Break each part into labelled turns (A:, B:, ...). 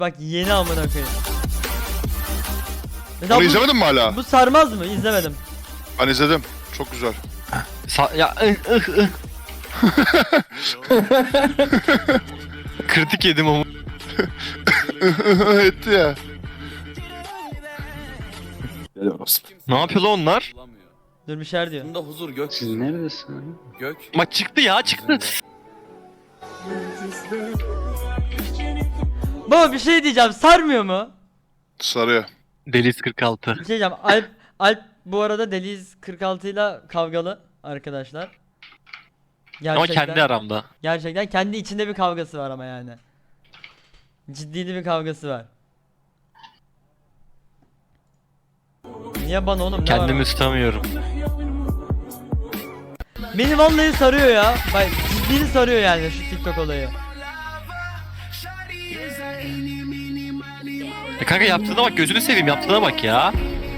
A: Bak yeni amına koyayım. Mesela
B: Onu izlemedin mi hala?
A: Bu sarmaz mı? İzlemedim.
B: Ben izledim. Çok güzel.
C: Ya kritik yedim ama.
B: Etti ya.
C: Ne yapıyor lan onlar?
A: Dur bir şeyler diyor.
D: Bunda huzur gök.
E: Siz neredesin?
D: Gök.
C: Bak çıktı ya çıktı.
A: Baba bir şey diyeceğim. Sarmıyor mu?
B: Sarıyor.
C: Deliz 46.
A: Bir şey diyeceğim. Alp bu arada Deliz 46 ile kavgalı arkadaşlar.
C: Ama kendi aramda.
A: Gerçekten kendi içinde bir kavgası var ama yani. Ciddi bir kavgası var. Niye bana oğlum? Ne
C: Kendimi
A: var?
C: tutamıyorum.
A: Beni vallahi sarıyor ya. Bak ciddi sarıyor yani şu TikTok olayı.
C: Kanka yaptığına bak, gözünü seveyim, yaptığına bak ya.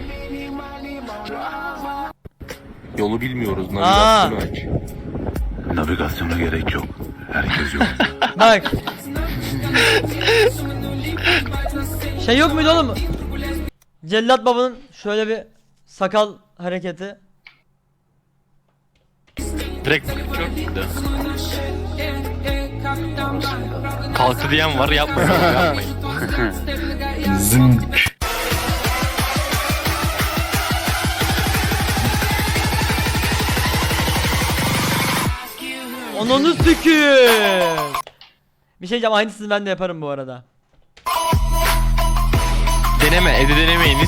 D: Yolu bilmiyoruz.
A: Aa.
D: Navigasyonu aç.
F: Navigasyona gerek yok. Herkes yok.
A: Bak. Şey yok muydu oğlum? Cellat babanın şöyle bir sakal hareketi.
C: Direkt çok gitti. Kalktı diyen var, yapmayın. Yapmayın.
F: Zınk.
A: Ananı sikiyim. Bir şey diyeceğim, aynısını ben de yaparım bu arada.
C: Deneme, evde denemeyiniz.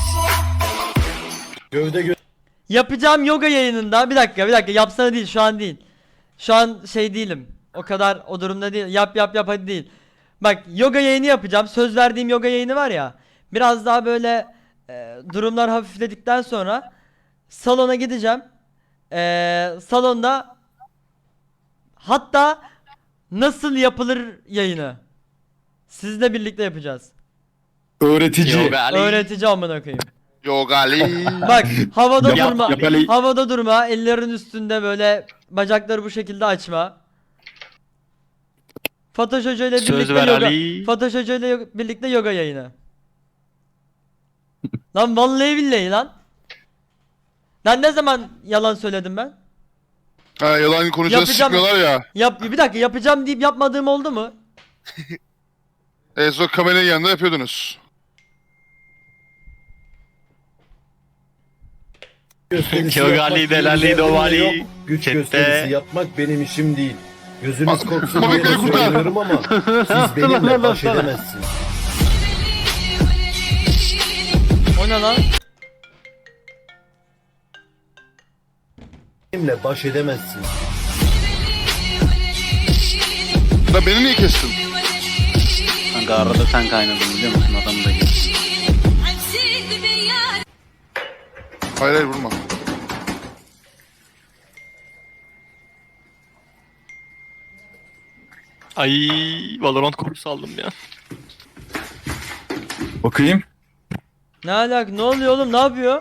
A: Yapacağım yoga yayınında bir dakika yapsana değil, şu an değil. Şu an şey değilim. O kadar o durumda değil. Yap hadi değil. Bak yoga yayını yapacağım. Söz verdiğim yoga yayını var ya. Biraz daha böyle durumlar hafifledikten sonra salona gideceğim. Salonda hatta nasıl yapılır yayını sizle birlikte yapacağız.
F: Öğretici.
C: Yoga Ali.
A: Öğretici amına koyayım.
B: Yogali.
A: Bak havada
C: Yap,
A: durma.
C: yap Ali.
A: Havada durma. Ellerin üstünde böyle bacakları bu şekilde açma. Fatoş Hoca ile
C: Söz
A: birlikte
C: ver
A: yoga.
C: Ali.
A: Fatoş Hoca ile birlikte yoga yayını. Lan vallahi billahi lan. Ben ne zaman yalan söyledim ben?
B: Ha, yalan konuşacağız
A: Yapacağım.
B: çıkmıyorlar ya.
A: Bir dakika yapacağım deyip yapmadığım oldu mu?
B: En son kameranın yanında yapıyordunuz.
C: Yoga Ali, Delali, Dovali.
G: Güç
C: Chatte.
G: gösterisi yapmak benim işim değil. Gözünüz korksun diye
B: Mami
G: de
B: beni kurtar.
G: söylüyorum ama siz benimle baş edemezsiniz.
A: O ne lan?
G: Benimle baş edemezsiniz.
B: Da beni niye kestin?
E: Kanka arada sen kaynadın biliyor musun? Adamı da gel.
B: Hayır hayır vurma.
C: Ay, Valorant kursu aldım ya.
F: Bakayım.
A: Ne alaka? Ne oluyor oğlum? Ne yapıyor?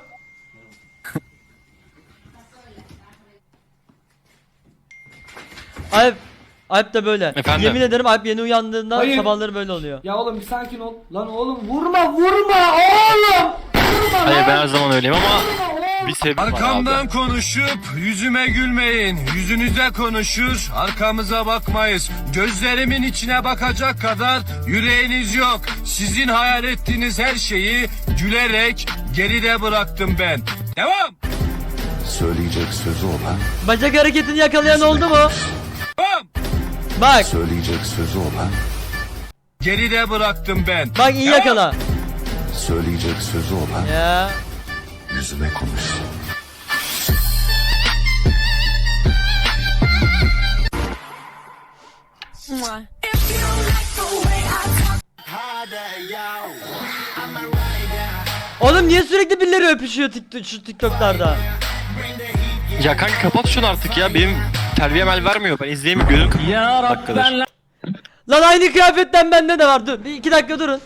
A: Alp de böyle.
C: Efendim?
A: Yemin ederim Alp yeni uyandığında
H: Hayır.
A: sabahları böyle oluyor.
H: Ya oğlum bir sakin ol. Lan oğlum vurma oğlum.
C: Hayır, ben her zaman öyleyim ama bir sebep var abi.
I: Arkamdan konuşup yüzüme gülmeyin. Yüzünüze konuşur, arkamıza bakmayız. Gözlerimin içine bakacak kadar yüreğiniz yok. Sizin hayal ettiğiniz her şeyi gülerek geride bıraktım ben. Devam!
F: Söyleyecek sözü olan,
A: Bacak hareketini yakalayan oldu mu?
I: Devam!
A: Bak.
F: söyleyecek sözü olan,
I: Geride bıraktım ben.
A: Bak iyi
I: Devam!
A: yakala.
F: söyleyecek sözü olan
A: Ya.
F: yüzüme konuşsun.
A: Oğlum niye sürekli birileri öpüşüyor şu TikTok'larda?
C: Ya kanka kapat şunu artık ya, benim terbiyem el vermiyor, ben izleyemiyorum, gözüm kapalı. Ya Rabben.
A: Lan aynı kıyafetten bende de var. Dur 2 dakika durun.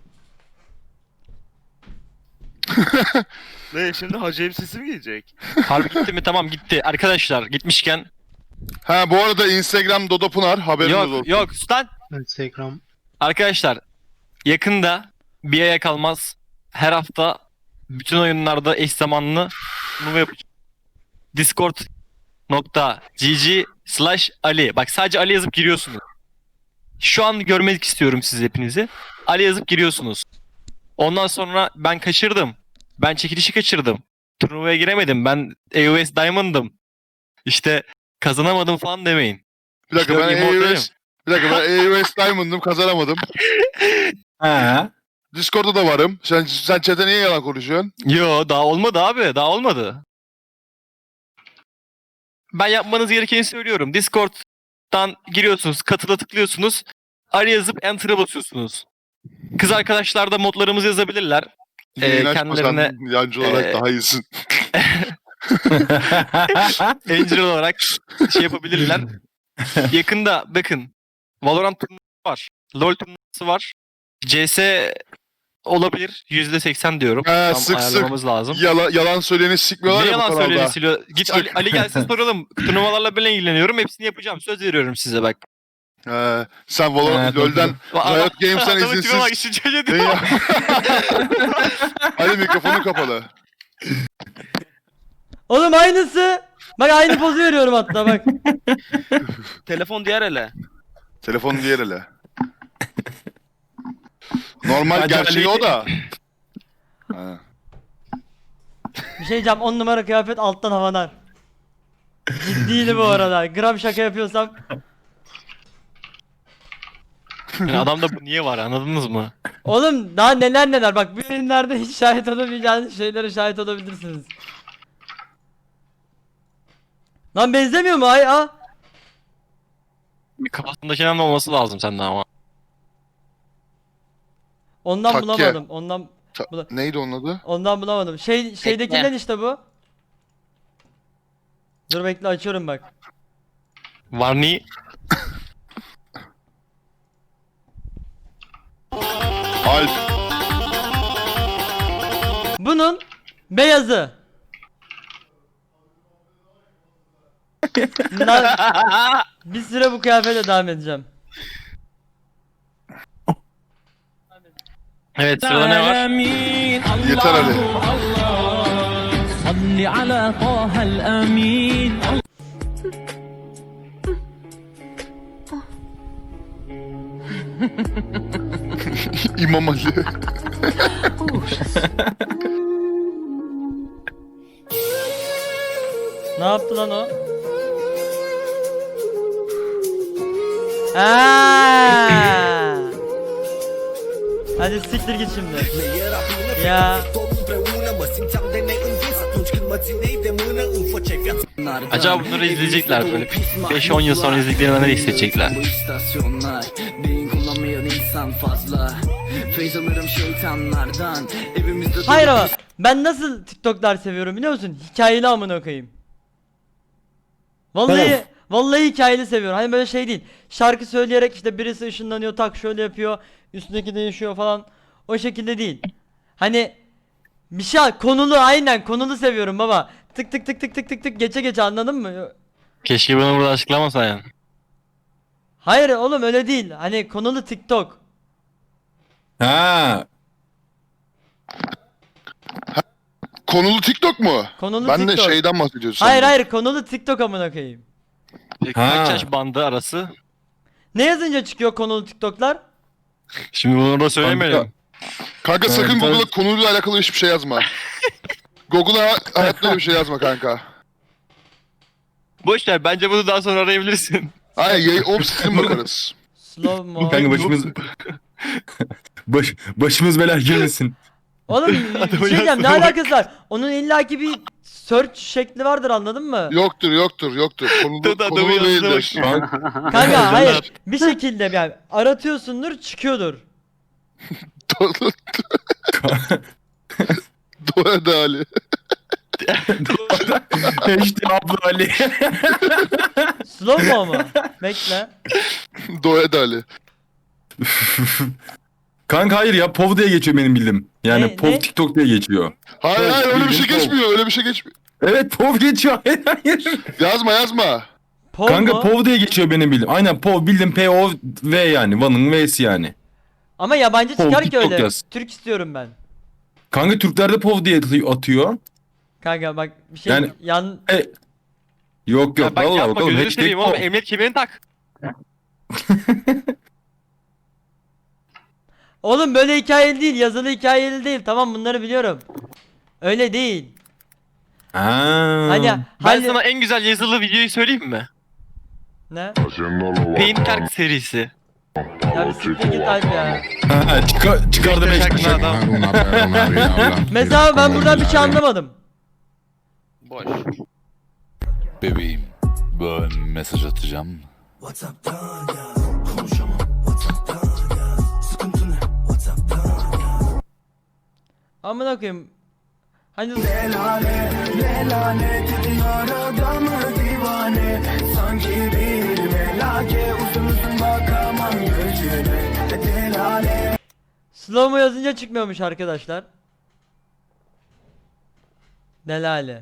J: Ne şimdi hacı elbisesi mi giyecek?
C: Harbi gitti mi? Tamam gitti. Arkadaşlar gitmişken.
B: Ha bu arada Instagram Dodo Pınar haberiniz olsun.
C: Yok lan.
E: Instagram.
C: Arkadaşlar yakında bir aya kalmaz her hafta bütün oyunlarda eş zamanlı turnuva yapacağım. Discord.gg/Ali. Bak sadece Ali yazıp giriyorsunuz. Şu an görmek istiyorum siz hepinizi. Ali yazıp giriyorsunuz. Ondan sonra ben kaçırdım. Ben çekilişi kaçırdım. Turnuvaya giremedim. Ben AOS Diamond'ım. İşte kazanamadım falan demeyin.
B: Bir dakika
C: İşte
B: ben
C: immortal'im.
B: AOS Diamond'ım, kazanamadım.
E: Ha.
B: Discord'da da varım. Sen chat'e niye yalan konuşuyorsun?
C: Yo daha olmadı abi. Daha olmadı. Ben yapmanız gerekeni söylüyorum. Discord'dan giriyorsunuz. Katıla tıklıyorsunuz. Ali yazıp Enter'a basıyorsunuz. Kız arkadaşlar da modlarımızı yazabilirler.
B: Yayın açmasan
C: Kendilerine
B: yancı olarak
C: e,
B: daha iyisin.
C: Angel olarak şey yapabilirler. Yakında bakın Valorant turnuvası var. LoL turnuvası var. CS olabilir. %80 diyorum.
B: He,
C: Tam
B: sık sık.
C: ayarlamamız lazım.
B: Yalan söyleyeni sikmiyorlar
C: Ne
B: ya bu
C: yalan
B: kanalda.
C: söyledi Silo. Git Ali gelsin soralım. Turnuvalarla ben ilgileniyorum. Hepsini yapacağım. Söz veriyorum size bak.
B: Sen Valorant, LoL'den, Riot Games'ten
C: Adamın tipe bak,
B: izinsiz.
C: şu çocuğa tipe bak.
B: Ali mikrofonu kapalı.
A: Oğlum aynısı. Bak aynı pozu veriyorum hatta bak.
J: Telefon diğer ele.
B: Telefonu diğer ele. Normal
C: Bence
B: gerçeği
C: Ali-
B: o da. Ha.
A: Bir şey diyeceğim, 10 numara kıyafet alttan havalar. Ciddiydi bu arada. Gram şaka yapıyorsam.
C: Yani adamda bu niye var anladınız mı?
A: Oğlum daha neler bak, bu yayınlarda hiç şahit olamayacağınız şeylere şahit olabilirsiniz. Lan benzemiyor mu ay a?
C: Bir kafasındakinden de olması lazım sende ama.
A: Ondan
B: Takke.
A: bulamadım. Ondan
B: Neydi onun adı?
A: bulamadım. Şeydekinden işte bu. Dur bekle, açıyorum bak.
C: Varni
B: Alp.
A: Bunun beyazı. Bir süre bu kıyafetle devam edeceğim.
C: evet sırada ne var?
B: Yeter Ali. İmam Ali.
A: Ne yaptı lan o? Aa! Hadi siktir git şimdi. Ya.
C: Acaba bunları izleyecekler böyle 5-10 yıl sonra izlediklerinde ne hissedecekler?
A: Hayır ama ben nasıl TikTok'lar seviyorum biliyor musun? Hikayeli amına koyayım. Vallahi hikayeli seviyorum. Hani böyle şey değil. Şarkı söyleyerek işte birisi ışınlanıyor, tak şöyle yapıyor, üstündeki değişiyor falan. O şekilde değil. Hani bir şey konulu, aynen konulu seviyorum baba. Tık tık tık tık tık tık tık geçe geçe, anladın mı?
C: Keşke bunu burada açıklamasaydın.
A: Hayır oğlum öyle değil. Hani konulu TikTok.
E: Ha.
B: Konulu TikTok mu?
A: Konulu
B: Ben de
A: TikTok.
B: şeyden bahsediyorsun.
A: Hayır konulu TikTok amına koyayım.
C: Kaç yaş bandı arası?
A: Ne yazınca çıkıyor konulu TikTok'lar?
C: Şimdi bunu da söylemeyelim.
B: Kanka sakın
E: Evet,
B: Google'a
E: evet.
B: konuyla alakalı hiçbir şey yazma. Google'a hayatta öyle bir şey yazma kanka.
C: Boş ver bence bunu daha sonra arayabilirsin.
B: Hayır, opsizin bakarız.
A: Slow mo.
E: Kanka başımız belaya girmesin.
A: Oğlum bir şey diyeceğim, ne alakası var? Onun illaki bir search şekli vardır, anladın mı?
B: Yoktur. Konulu değildir.
A: Kanka hayır, bir şekilde yani aratıyorsundur, çıkıyordur.
B: Doğa da Ali.
E: işte abla Ali.
A: Slow mo mu? Bekle.
B: Doğa da Ali.
E: Kanka hayır ya, POV diye geçiyor benim bildiğim. Yani
A: Ne?
E: POV TikTok diye geçiyor.
B: Hayır öyle bir şey
E: bildiğin
B: geçmiyor. Öyle bir şey geçmiyor.
E: Evet POV geçiyor. Hayır.
B: Yazma.
A: Pov
E: Kanka
A: mu?
E: POV diye geçiyor benim bildiğim. Aynen POV bildiğin POV yani. Van'ın V'si yani.
A: Ama yabancı
K: Pov
A: çıkar ki
K: TikTok
A: öyle.
K: yaz.
A: Türk istiyorum ben.
K: Kanka Türkler de POV diye atıyor.
A: Kanka bak bir şey
K: Yani-
A: yan
K: Yok
C: Ya
K: yok
C: bak
K: vallahi
C: yapma
K: bakalım.
C: gözünü
K: Hashtag
C: seveyim oğlum.
K: POV.
C: Emniyet kemerini tak.
A: Oğlum böyle hikayeli değil, yazılı hikayeli değil. Tamam bunları biliyorum. Öyle değil. Hani
C: Ben
A: hani
C: sana en güzel yazılı videoyu söyleyeyim mi?
A: ne?
C: Paintcard serisi.
A: Ya bir siktir git Alp ya.
K: Ha, çıkardı
C: Bekle
K: 5
C: şarkını
K: kuşak.
C: adam.
A: Mesela ben buradan bir şey anlamadım.
J: Boş.
F: Bebeğim, ben mesaj atacağım.
A: Amına koyayım. Hani slow mo yazınca çıkmıyormuş arkadaşlar. Delale.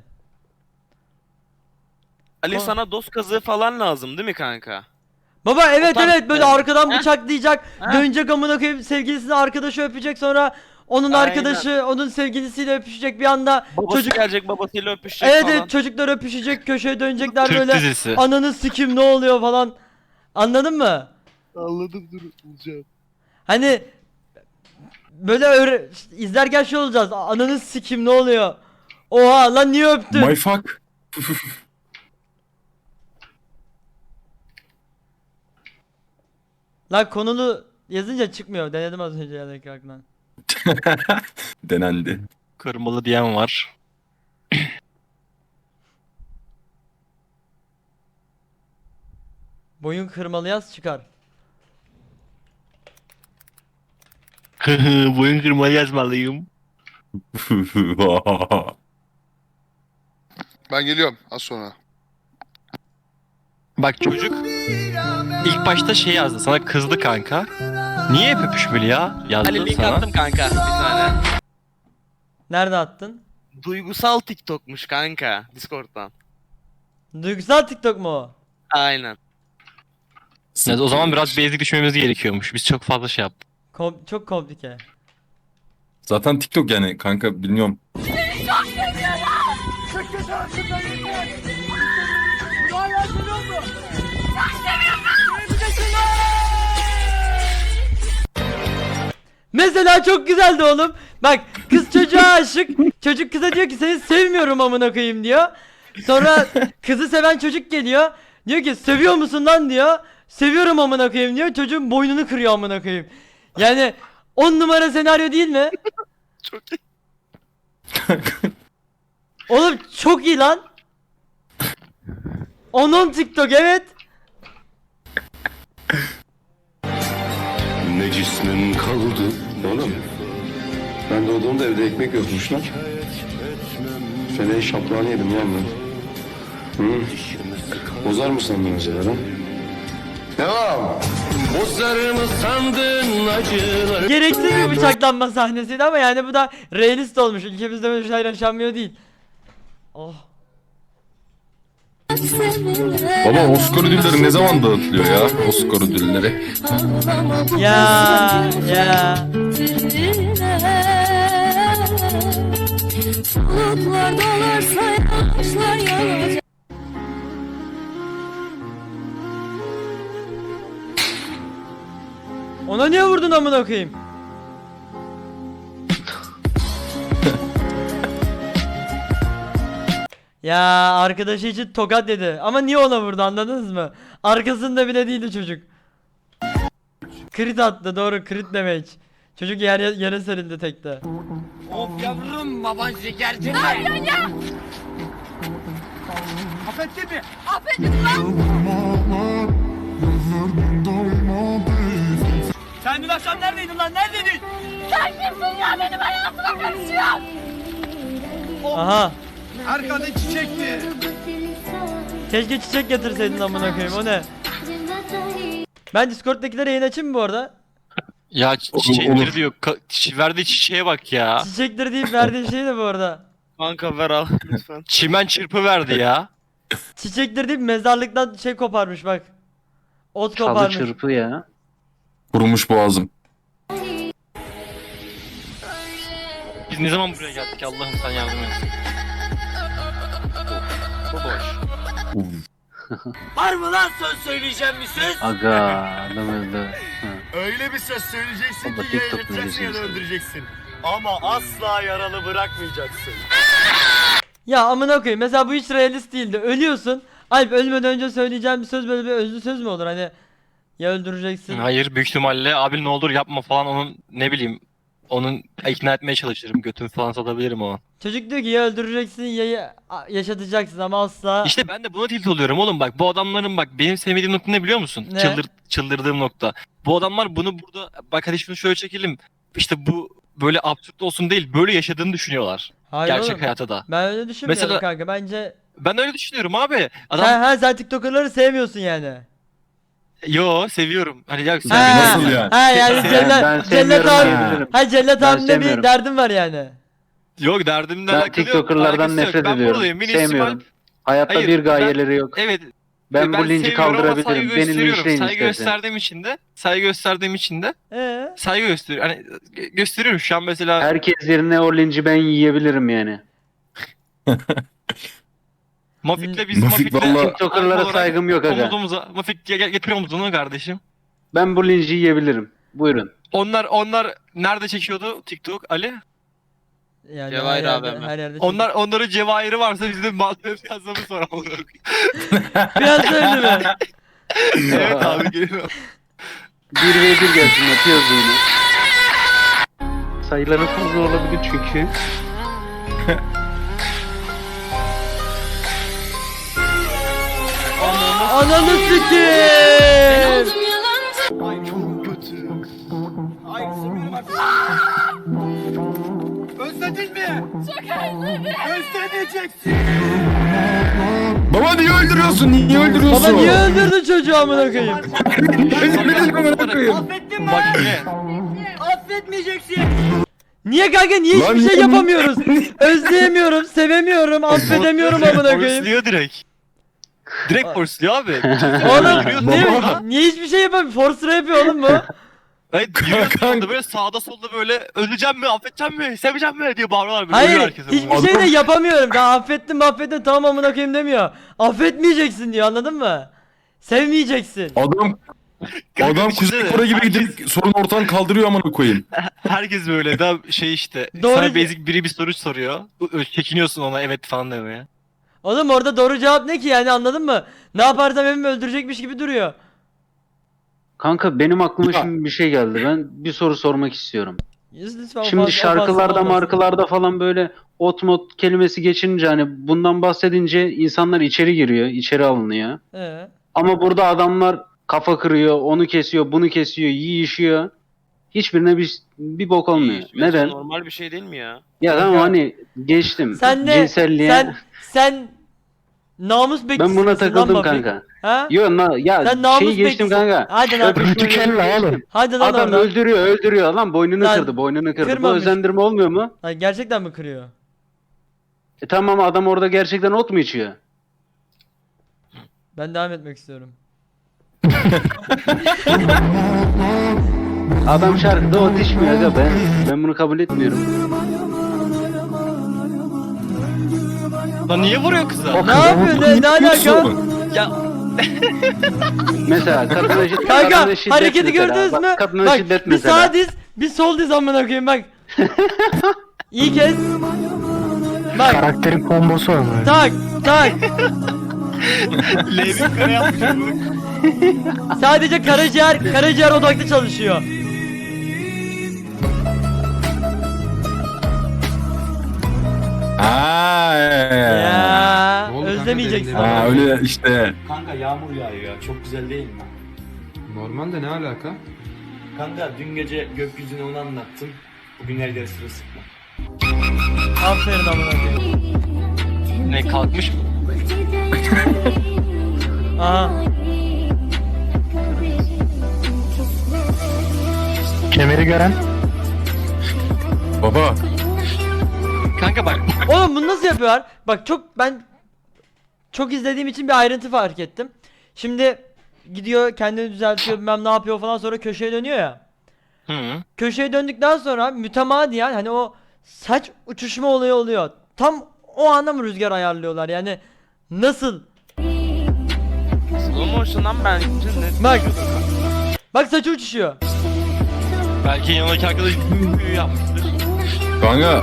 J: Ali sana dost kazığı falan lazım değil mi kanka?
A: Baba evet
J: tarz
A: evet böyle
J: yani.
A: arkadan
J: Heh.
A: bıçaklayacak,
J: Heh.
A: dönecek amına koyayım sevgilisini arkadaşı öpecek sonra onun
J: Aynen.
A: arkadaşı onun sevgilisiyle öpüşecek bir anda
J: Babası
A: çocuk
J: gelecek babasıyla öpüşecek
A: evet
J: falan.
A: evet çocuklar öpüşecek köşeye dönecekler
C: Türk
A: böyle
C: dizisi.
A: ananı sikim ne oluyor falan. Anladın mı?
B: Anladım dur bulacağım.
A: Hani böyle izlerken şey olacağız. Ananı sikim ne oluyor? Oha lan niye öptün?
K: My fuck.
A: Lan konulu yazınca çıkmıyor. Denedim az önce yani ekrandan.
K: Denendi.
C: Kırmalı diyen var.
A: Boyun kırmalı yaz çıkar.
C: Boyun kırmalı yazmalıyım.
B: Ben geliyorum az sonra.
C: Bak çocuk ilk başta şey yazdı sana kızdı kanka. Niye hep öpüşmeli ya? Yazdı
J: Ali link
C: sana.
J: attım kanka bir tane.
A: Nerede attın?
J: Duygusal TikTok'muş kanka Discord'dan.
A: Duygusal TikTok mu o?
J: Aynen.
C: Evet, o zaman biraz basic düşmemiz gerekiyormuş. Biz çok fazla şey yaptık.
A: Çok komplike.
K: Zaten TikTok yani kanka bilmiyorum.
A: Mesela çok güzeldi oğlum. Bak kız çocuğa aşık. Çocuk kıza diyor ki seni sevmiyorum amına koyayım diyor. Sonra kızı seven çocuk geliyor. Diyor ki seviyor musun lan diyor. Seviyorum amına koyayım diyor. Çocuğun boynunu kırıyor amına koyayım. Yani 10 numara senaryo değil mi?
J: Çok iyi.
A: Oğlum çok iyi lan. Onun TikTok evet.
F: Ne cismin kaldı oğlum. Ben doğduğumda evde ekmek yokmuş lan. Feleği şaplağını yedim lan ben. Hı? Bozar mı sandın acaba lan? Devam.
I: Bozar mı sandın acıları?
A: Gereksiz bir bıçaklanma sahnesiydi ama yani bu da realist olmuş. Ülkemizde böyle şeyler yaşanmıyor değil. Oh.
K: Baba Oscar ödülleri ne zaman dağıtılıyor ya? Oscar ödülleri.
A: Ya ya.
L: Bulutlar dolarsa yağışlar yağacak.
A: Ona niye vurdun amına koyayım? Ya arkadaşı için tokat dedi. Ama niye ona vurdu anladınız mı? Arkasında bile değildi çocuk. Crit attı doğru crit damage. Çocuk yere serildi tekte.
I: Of yavrum baban şekerci mi? Affettin mi?
H: Sen dün akşam neredeydin lan? Neredeydin?
L: Sen kimsin ya benim hayatıma karışıyor?
A: Aha.
I: Arkada çiçekti.
A: Keşke çiçek getirseydin amına koyayım o ne? Ben Discord'dakilere yayın açayım mı bu arada?
C: Ya
K: Olur,
C: çiçekleri
K: olur.
C: diyor. Verdiği çiçeğe bak ya.
A: Çiçektir deyip verdiği şey de bu arada.
J: Kanka ver al lütfen.
C: Çimen çırpı verdi ya.
A: Çiçektir deyip mezarlıktan şey koparmış bak. Ot
E: Çalı
A: koparmış.
E: çırpı ya.
K: Kurumuş boğazım.
C: Biz ne zaman buraya geldik Allah'ım sen yardım et. Bu boş.
I: Var mı lan söz söyleyeceğim bir söz?
E: Aga adam öldü. Ha.
I: Öyle bir söz söyleyeceksin
E: Baba,
I: ki
E: TikTok
I: yayınlayacaksın ya da
E: mevzusu.
I: öldüreceksin. Ama asla yaralı bırakmayacaksın.
A: Ya amına koyayım, mesela bu hiç realist değildi. Ölüyorsun. Alp ölmeden önce söyleyeceğim bir söz böyle bir özlü söz mü olur hani? Ya öldüreceksin.
C: Hayır büyük ihtimalle abi ne olur yapma falan onun ne bileyim onun ikna etmeye çalışırım. Götümü falan satabilirim o an.
A: Çocuk diyor ki ya öldüreceksin ya yaşatacaksın ama asla.
C: İşte ben de buna tilt oluyorum oğlum bak bu adamların bak benim sevmediğim nokta ne biliyor musun?
A: Ne?
C: Çıldırdığım nokta. Bu adamlar bunu burada bak hadi şunu şöyle çekelim. İşte bu böyle absürt olsun değil böyle yaşadığını düşünüyorlar.
A: Hayır
C: Gerçek
A: oğlum,
C: hayatta da.
A: ben öyle düşünmüyorum
C: Mesela-
A: kanka. Bence
C: Ben öyle düşünüyorum abi. Adam
A: sen TikToker'ları sevmiyorsun yani.
C: yo seviyorum. Hani ya sen
A: Ha,
K: Nasıl yani?
A: Ha yani
E: Ben
A: Cellat
E: sevmiyorum
A: abi.
E: diyebilirim.
A: Ha Cellat
E: Ben
A: abimde bir
E: sevmiyorum.
A: derdim var yani.
C: yok derdimle
E: Ben
C: alakalı yok.
E: TikToker'lardan
C: Alakası yok.
E: nefret
C: Ben
E: ediyorum.
C: buradayım. Mini
E: Sevmiyorum. Hayatta
C: Hayır,
E: bir gayeleri yok.
C: Evet.
E: Ben bu linci
C: seviyorum ama saygı
E: kaldırabilirim. Beni
C: gösteriyorum.
E: linçleyin
C: Saygı
E: istersen.
C: gösterdiğim için de
A: Ee?
C: saygı gösteriyorum. Hani gösteriyorum şu an mesela.
E: Herkes yerine o linci ben yiyebilirim yani.
C: Mafik'le biz
K: Mafik
C: Mafik'le
K: valla-
E: TikToker'lara
C: olarak
E: saygım yok aga.
C: omuz omuza. Mafik getir omuzunu kardeşim.
E: Ben bu linci yiyebilirim. Buyurun.
C: Onlar nerede çekiyordu TikTok Ali?
A: Yani
J: Cevahir
A: her yerde,
J: abi hemen.
A: her yerde.
C: Onların cevahiri varsa biz de malzeme yazmamız sonra olur.
A: Biraz öldü mü?
C: Evet abi geliyor.
E: 1v1 gelsin atıyoruz yine. Sayıları fazla olabilir çünkü.
A: Ananı sikeyim.
L: Oldum yalancı.
I: Özledin mi?
L: Çok özledim.
I: Özlemeyeceksin.
K: Baba niye öldürüyorsun? Niye öldürüyorsun?
A: Baba niye öldürdün çocuğu amına koyayım?
I: Affettin mi?
C: Bak ne?
I: Affetmeyeceksin.
A: Niye kanka niye
K: Lan
A: hiçbir şey
K: niye-
A: yapamıyoruz? Özleyemiyorum, sevemiyorum, affedemiyorum amına koyayım.
C: Forsluyor direkt. Direkt forsluyor abi.
A: Oğlum
K: Baba.
A: niye hiçbir şey yapamıyor? Force yapıyor oğlum bu.
C: Hayır yürüyorsun
K: Kanka.
C: orada böyle sağda solda böyle öleceğim mi, affedeceğim mi, seveceğim mi diye bağırıyorlar böyle. Ölüyor
A: Hayır
C: herkese
A: hiçbir
C: bu.
A: şey de yapamıyorum. Daha affettim tamam amına koyayım demiyor. Affetmeyeceksin diyor anladın mı? Sevmeyeceksin.
K: Adam
C: Kanka
K: Adam
C: düşünsene,
K: Kuzey Kore gibi
C: herkes-
K: gidip sorun ortadan kaldırıyor amına koyayım.
C: Herkes böyle daha şey işte.
A: Doğru-
C: Sana basic biri bir soru soruyor. Çekiniyorsun ona evet falan demeye.
A: Oğlum orada doğru cevap ne ki yani anladın mı? Ne yaparsam evimi öldürecekmiş gibi duruyor.
E: Kanka benim aklıma
K: Ya.
E: şimdi bir şey geldi. Ben bir soru sormak istiyorum.
A: Lütfen
E: Şimdi şarkılarda markalarda falan böyle ot mot kelimesi geçince hani bundan bahsedince insanlar içeri giriyor, içeri alınıyor. Ama burada adamlar kafa kırıyor, onu kesiyor, bunu kesiyor, yiyişiyor. Hiçbirine bir bok olmuyor. Neden?
J: Normal bir şey değil mi ya?
E: Ya tamam hani geçtim.
A: Sen ne?
E: Cinselliğe.
A: Sen namus bekçisi
E: Ben buna
A: misin lan
E: takıldım
A: Mafik?
E: kanka.
A: Ha?
E: Yo ya
A: Sen namus
E: şeyi geçtim
A: bekçisi.
E: kanka.
A: Hadi lan.
E: Öpüşmeleri-
A: Hadi lan
E: Adam
A: oradan.
E: öldürüyor lan boynunu
A: Lan,
E: kırdı, boynunu kırdı. Bu
A: kırmamış.
E: özendirme olmuyor mu?
A: Ay, gerçekten mi kırıyor?
E: Tamam adam orada gerçekten ot mu içiyor?
A: Ben devam etmek istiyorum.
E: Adam şarkıda ot içmiyor aga ben bunu kabul etmiyorum.
C: Lan niye vuruyor kıza?
A: Ne yapıyor? Ne alaka?
C: Ya
E: Mesela kadına şiddet,
A: Kanka
E: kadına şiddet
A: hareketi
E: mesela.
A: gördünüz
E: Bak,
A: mü?
E: kadına
A: Bak
E: şiddet
A: bir
E: mesela.
A: sağ diz, bir sol diz amına koyayım bak. İyi kez. Bak.
G: Karakterin kombosu var böyle.
A: Tak tak.
C: Levin kare yapmış bu.
A: Sadece karaciğer odaklı çalışıyor. Ya özlemeyeceksin.
K: Ha öyle işte.
I: Kanka yağmur yağıyor ya. Çok güzel değil mi?
G: Normal de ne alaka?
I: Kanka dün gece gökyüzüne onu anlattım. Bugün her yer sırılsıklam.
A: Aferin amına koyayım.
C: Ne kalkmış mı?
A: Aha.
G: Kemeri gören.
K: Baba.
C: Kanka bak.
A: Oğlum bunu nasıl yapıyorlar? Bak ben çok izlediğim için bir ayrıntı fark ettim. Şimdi gidiyor kendini düzeltiyor bilmem ne yapıyor falan sonra köşeye dönüyor ya.
C: Hı.
A: Köşeye döndükten sonra mütemadiyen hani o saç uçuşma olayı oluyor. Tam o anda mı rüzgar ayarlıyorlar yani nasıl?
J: Slow motion'dan ben net
A: Bak. Bak saçı uçuşuyor.
C: Belki yanındaki arkadaş büyü yapmıştır.
K: Kanka.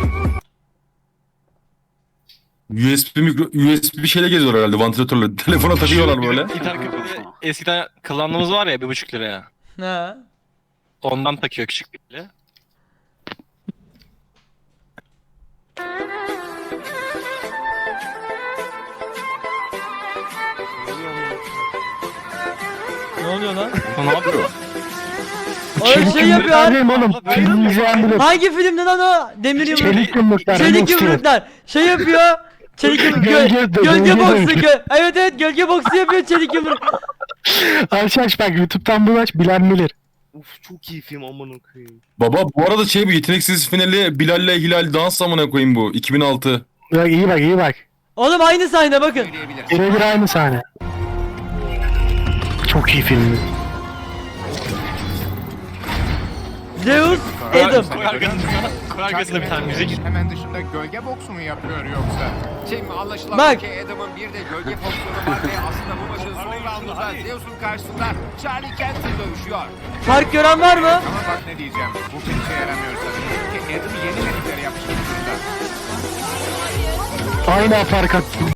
K: USB bir şeyle geziyor herhalde vantilatörle. Telefona takıyorlar böyle.
C: İnternet kafede eskiden kullandığımız var ya 1,5 liraya.
A: He.
C: Ondan takıyor küçük biriyle.
A: Ne oluyor lan?
C: Ne yapıyor?
A: O şey yapıyor abi.
C: Oğlum.
A: Hangi filmde lan o? Demir yumruk.
C: Çelik yumruklar.
A: Çelik yumruklar. Şey yapıyor. Çelik yumruk. Gölge boksu. Evet evet gölge boksu yapıyor çelik yumruk.
C: Aç bak YouTube'dan bunu aç bilen bilir.
J: Uf çok iyi film amına koyayım.
K: Baba bu arada bu yeteneksiz finali Bilal'le Hilal dans amına koyayım bu 2006.
C: Bak iyi bak.
A: Oğlum aynı sahne bakın.
C: Birebir aynı sahne. Çok iyi film.
A: Zeus, Adam.
C: Koy arkasına bir tane müzik.
I: Hemen dışında gölge boksu mu yapıyor yoksa? Şimdi anlaşılan
A: Bak.
I: ki Adam'ın bir de gölge pozisyonu var ve aslında bu maçın son roundunda Zeus'un karşısında Charlie Kent'le dövüşüyor.
A: Fark gören var mı?
I: Ama bak ne diyeceğim, bu pek işe yaramıyor sanırım. Ki Adam'ı yeni medikleri yapmış durumda.
C: Aynı fark attı.